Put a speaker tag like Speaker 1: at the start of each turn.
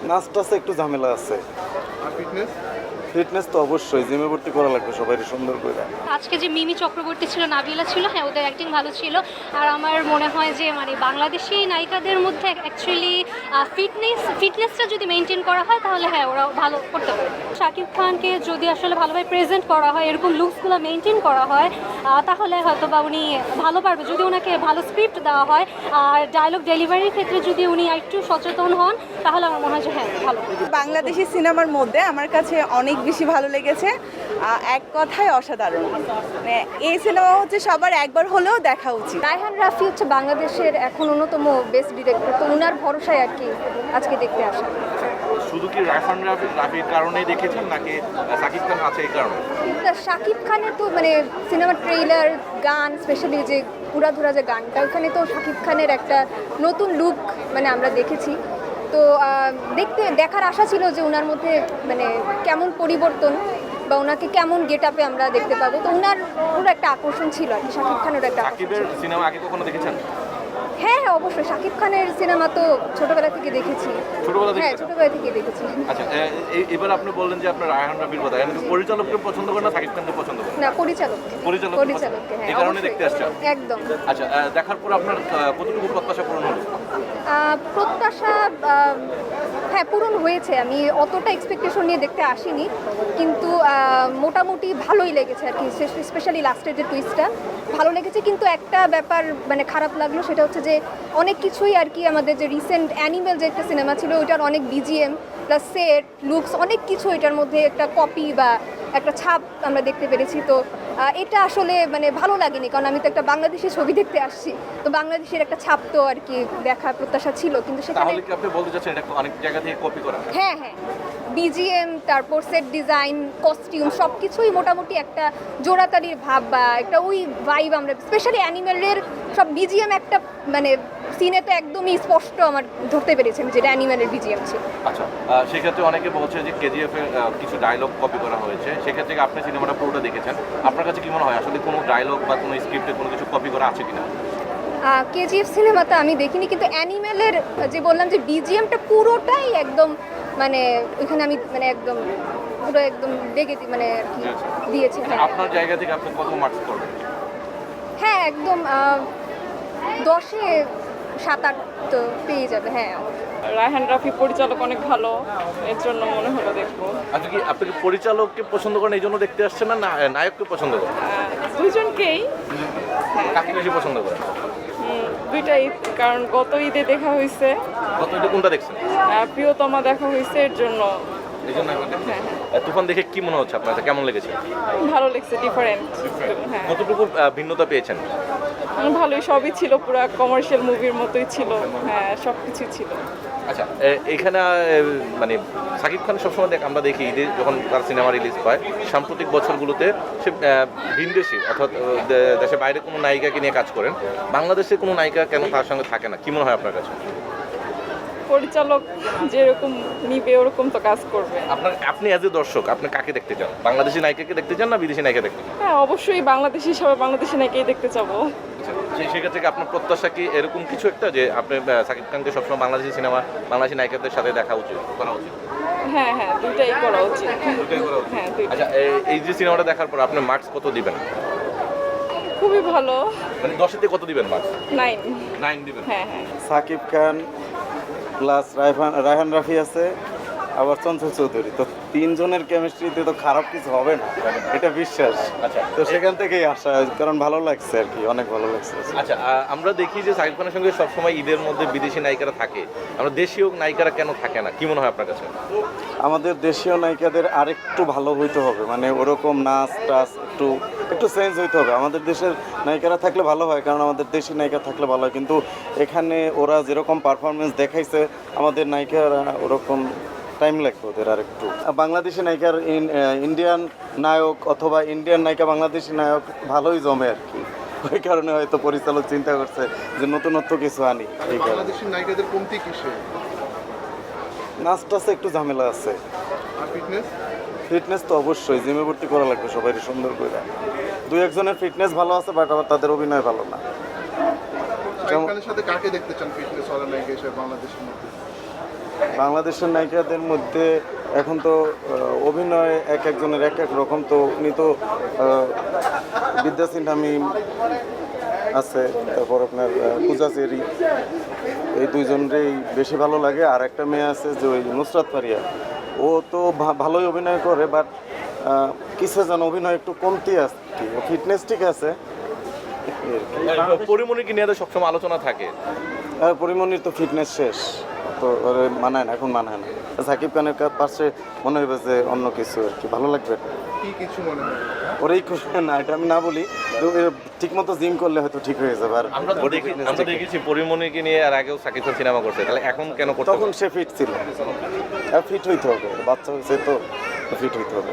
Speaker 1: নাচ টাচে একটু ঝামেলা আছে।
Speaker 2: আর ফিটনেস?
Speaker 1: ফিটনেস তো অবশ্যই, জিমে ভর্তি করা লাগবে সবাই সুন্দর করে।
Speaker 3: আজকে যে মিমি চক্রবর্তী ছিল, নাবিলা ছিল, হ্যাঁ ওদের অ্যাক্টিং ভালো ছিল। আর আমার মনে হয় যে মানে বাংলাদেশি নায়িকাদের মধ্যে অ্যাকচুয়ালি ফিটনেসটা যদি মেনটেন করা হয় তাহলে হ্যাঁ ওরা ভালো করতে পারে। শাকিব খানকে যদি আসলে ভালোভাবে প্রেজেন্ট করা হয়, এরকম লুকসগুলো মেনটেন করা হয়, তাহলে হয়তো বা উনি ভালো পারবে। যদি ওনাকে ভালো স্ক্রিপ্ট দেওয়া হয় আর ডায়লগ ডেলিভারির ক্ষেত্রে যদি উনি একটু সচেতন হন, তাহলে আমার মনে হয় যে হ্যাঁ ভালো।
Speaker 4: বাংলাদেশি সিনেমার মধ্যে আমার কাছে অনেক বেশি ভালো লেগেছে, এক কথায় অসাধারণ। মানে এই সিনেমা হচ্ছে সবার একবার হলেও দেখা উচিত।
Speaker 3: রায়হান রাফি হচ্ছে বাংলাদেশের এখন অন্যতম বেস্ট ডিরেক্টর, তো ওনার ভরসায় আর কি আজকে দেখতে আসা।
Speaker 2: শুধু কি রায়হান রাফির কারণেই দেখেছেন নাকি সাকিব খান আছে এই কারণে?
Speaker 3: শাকিব খানের তো মানে সিনেমার ট্রেইলার, গান, স্পেশালি যে উড়াধুরা যে গানটা, ওখানে তো শাকিব খানের একটা নতুন লুক মানে আমরা দেখেছি। তো দেখার আশা ছিল যে ওনার মধ্যে মানে কেমন পরিবর্তন বা ওনাকে কেমন গেট আপে আমরা দেখতে পাবো। তো ওনার পুরো একটা আকর্ষণ ছিল আর কি, শাকিব খানের একটা
Speaker 2: সাকিবের সিনেমা আগে কখনো দেখেছেন?
Speaker 3: হ্যাঁ হ্যাঁ অবশ্যই, শাকিব খানের সিনেমা তো ছোটবেলা থেকে দেখেছি।
Speaker 2: ছোটবেলা থেকে?
Speaker 3: হ্যাঁ ছোটবেলা থেকে দেখেছি।
Speaker 2: আচ্ছা, এবার আপনি বললেন যে আপনার রায়হান রাফির কথা, এখন পরিচালককে পছন্দ করেন না সাকিব খানকে পছন্দ করেন?
Speaker 3: না, পরিচালককে।
Speaker 2: পরিচালককে,
Speaker 3: হ্যাঁ
Speaker 2: এই কারণে
Speaker 3: অবশ্যই।
Speaker 2: দেখতে আসছেন?
Speaker 3: একদম।
Speaker 2: আচ্ছা, দেখার পর আপনার কতটুকু প্রত্যাশা পূরণ হলো?
Speaker 3: প্রত্যাশা হ্যাঁ পূরণ হয়েছে। আমি অতটা এক্সপেকটেশন নিয়ে দেখতে আসিনি, কিন্তু মোটামুটি ভালোই লেগেছে আর কি। স্পেশালি লাস্টের যে টুইস্টটা ভালো লেগেছে, কিন্তু একটা ব্যাপার মানে খারাপ লাগলো, সেটা হচ্ছে যে অনেক কিছুই আর কি আমাদের যে রিসেন্ট অ্যানিমেল যে একটা সিনেমা ছিল ওইটার অনেক বিজিএম প্লাস সেট লুকস অনেক কিছু এটার মধ্যে একটা কপি বা একটা ছাপ আমরা দেখতে পেরেছি। তো এটা আসলে মানে ভালো লাগেনি, কারণ আমি তো একটা বাংলাদেশি ছবি দেখতে আসছি, তো বাংলাদেশের একটা ছাপ তো আর কি দেখার প্রত্যাশা ছিল, কিন্তু সেখানে
Speaker 2: তাহলে কি আপনি বলতে চাচ্ছেন এটা অনেক জায়গা থেকে কপি করা?
Speaker 3: হ্যাঁ হ্যাঁ, বিজিএম, তারপর সেট ডিজাইন, কস্টিউম সব কিছুই মোটামুটি একটা জোড়াতালির ভাব বা একটা ওই ভাইব আমরা স্পেশালি অ্যানিমেলের সব বিজিএম একটা মানে সিনে তো একদমই স্পষ্ট আমার ধরতে পেরেছি আমি যেটা অ্যানিমেলের বিজিএম ছিল।
Speaker 2: আচ্ছা, সেক্ষেত্রে অনেকে বলছে যে কেজিএফ এর কিছু ডায়লগ কপি করা হয়েছে, সেক্ষেত্রে আপনি সিনেমাটা পুরোটা দেখেছেন, আপনার কাছে কি মনে হয় আসলে কোনো ডায়লগ বা কোনো স্ক্রিপ্টে কোনো কিছু কপি করা আছে কিনা?
Speaker 3: কেজিএফ সিনেমাটা আমি দেখিনি, কিন্তু অ্যানিমেলের যে বললাম যে বিজিএমটা পুরোটাই একদম মানে ওইখানে আমি মানে একদম পুরো একদম লেগে মানে আর কি দিয়েছে। হ্যাঁ
Speaker 2: আপনার জায়গা থেকে আপনি কত মার্কস করবেন?
Speaker 3: হ্যাঁ একদম 10-এ 7-8 তো পেয়ে যাবে। হ্যাঁ
Speaker 5: রায়হান রাফি পরিচালক অনেক ভালো, এর জন্য মনে হলো দেখবো।
Speaker 2: আপনি কি পরিচালককে পছন্দ করেন এই জন্য দেখতে আসছেন না নায়ককে পছন্দ করেন?
Speaker 5: দুজনকেই।
Speaker 2: কাকে বেশি পছন্দ করেন?
Speaker 5: দুইটাই, কারণ গত ঈদে দেখা হয়েছে,
Speaker 2: কত এটা কোনটা দেখছেন?
Speaker 5: প্রিয়তমা দেখা হয়েছে, এর জন্য।
Speaker 2: এই জন্য এখন দেখছেন। তুফান দেখে কি মনে হচ্ছে আপনার, কেমন লেগেছে?
Speaker 5: ভালো লেগেছে, ডিফারেন্ট। হ্যাঁ
Speaker 2: কতটুকু ভিন্নতা পেয়েছেন?
Speaker 5: ভালোই, সবই ছিল, পুরো কমার্শিয়াল মুভির মতোই ছিল। হ্যাঁ সব কিছুই ছিল।
Speaker 2: আচ্ছা, এইখানে মানে সাকিব খান সবসময় আমরা দেখি ঈদে যখন তার সিনেমা রিলিজ হয় সাম্প্রতিক বছরগুলোতে সে ভিনদেশি অর্থাৎ দেশের বাইরে কোনো নায়িকাকে নিয়ে কাজ করেন, বাংলাদেশে কোনো নায়িকা কেন তার সঙ্গে থাকে না, কি মনে হয় আপনার কাছে?
Speaker 5: পরিচালক যেরকম নিবে ওরকম তো কাজ করবে।
Speaker 2: আপনি অ্যাজ এ দর্শক আপনি কাকে দেখতে চান, বাংলাদেশি নায়িকাকে দেখতে চান না বিদেশি নায়িকা দেখতে চান?
Speaker 5: হ্যাঁ অবশ্যই বাংলাদেশি হিসাবে বাংলাদেশি নায়িকাই দেখতে চাবো।
Speaker 2: সেক্ষেত্রে কি আপনার প্রত্যাশা কি এরকম কিছু একটা যে আপনি সাকিব খানকে সবসময় বাংলাদেশি সিনেমা বাংলাদেশি নায়িকাদের সাথে দেখা উচিত করা উচিত?
Speaker 5: হ্যাঁ হ্যাঁ দুইটাই করা উচিত।
Speaker 2: দুটোই করা উচিত।
Speaker 5: হ্যাঁ দুইটাই।
Speaker 2: আচ্ছা, এই যে সিনেমাটা দেখার পর আপনি মার্কস কত দিবেন?
Speaker 5: খুবই ভালো।
Speaker 2: মানে 10-এ কত দিবেন মার্কস?
Speaker 5: 9
Speaker 2: দিবেন।
Speaker 5: হ্যাঁ হ্যাঁ।
Speaker 1: সাকিব খান প্লাস রায়হান রাফি আছে, আবার চঞ্চল চৌধুরী, তো তিনজনের কেমিস্ট্রিতে তো খারাপ কিছু হবে না, এটা বিশ্বাস।
Speaker 2: আচ্ছা,
Speaker 1: তো সেখান থেকেই আসা, কারণ ভালো লাগছে আর কি, অনেক ভালো লাগছে।
Speaker 2: আচ্ছা, আমরা দেখি যে সাকিব খানের সঙ্গে সবসময় ঈদের মধ্যে বিদেশি নায়িকারা থাকে, আমরা দেশীয় নায়িকারা কেন থাকে না, কি মনে হয় আপনার কাছে?
Speaker 1: আমাদের দেশীয় নায়িকাদের আরেকটু ভালো হইতে হবে, মানে ওরকম নাচ টাচ একটু চেঞ্জ হইতে হবে। আমাদের দেশের নায়িকারা থাকলে ভালো হয়, কারণ আমাদের দেশি নায়িকা থাকলে ভালো হয়, কিন্তু এখানে ওরা যেরকম পারফরমেন্স দেখাইছে আমাদের নায়িকারা ওরকম টাইম লাগবে ওদের আর একটু। বাংলাদেশি নায়িকার ইন্ডিয়ান নায়ক অথবা ইন্ডিয়ান নায়িকা বাংলাদেশি নায়ক ভালোই জমে আর কি, ওই কারণে হয়তো পরিচালক চিন্তা করছে যে নতুনত্ব কিছু আনি।
Speaker 6: বাংলাদেশি নায়িকাদের কমতি কিসে?
Speaker 1: নাচ টাচে একটু ঝামেলা আছে।
Speaker 6: আর ফিটনেস?
Speaker 1: ফিটনেস তো অবশ্যই, জিমে ভর্তি করা লাগবে সবাই সুন্দর করে। 2-1 জনের ফিটনেস ভালো আছে, বাট আবার তাদের অভিনয় ভালো না।
Speaker 6: শাকিব খানের সাথে কাকে দেখতে চান ফিটনেস ওয়ালা নায়িকা হিসেবে বাংলাদেশের মধ্যে?
Speaker 1: বাংলাদেশের নায়িকাদের মধ্যে এখন তো অভিনয় এক একজনের এক এক রকম, তো উনি তো বিদ্যা সিনহা মিম আছে, তারপর আপনার পূজা চেরি, এই দুইজনেরই বেশি ভালো লাগে। আর একটা মেয়ে আছে যে ওই নুসরাত ফারিয়া, ও তো ভালোই অভিনয় করে, বাট কিসে যেন অভিনয় একটু কমতি আছে, ও ফিটনেস ঠিক আছে।
Speaker 2: পরিমণিকে নিয়ে তো সবসময় আলোচনা থাকে।
Speaker 1: পরিমণির তো ফিটনেস শেষ, তো ওর মানায় না, এখন মানায় না। সাকিব খানের পাশে মনে হবে যে অন্য কিছু আর কি ভালো লাগবে।
Speaker 6: কি কিছু মনে হয়?
Speaker 1: ওরাই না, এটা আমি না বলি, ঠিক মতো জিম করলে হয়তো ঠিক হয়ে যাবে। আর
Speaker 2: আমরা তো দেখেছি পরিমণিকে নিয়ে আর আগেও সাকিব খান সিনেমা করছে, তাহলে এখন কেন করতে
Speaker 1: তখন সে ফিট ছিল, আর ফিট হইতে হবে, বাচ্চা হয়েছে তো ফিট হইতে হবে।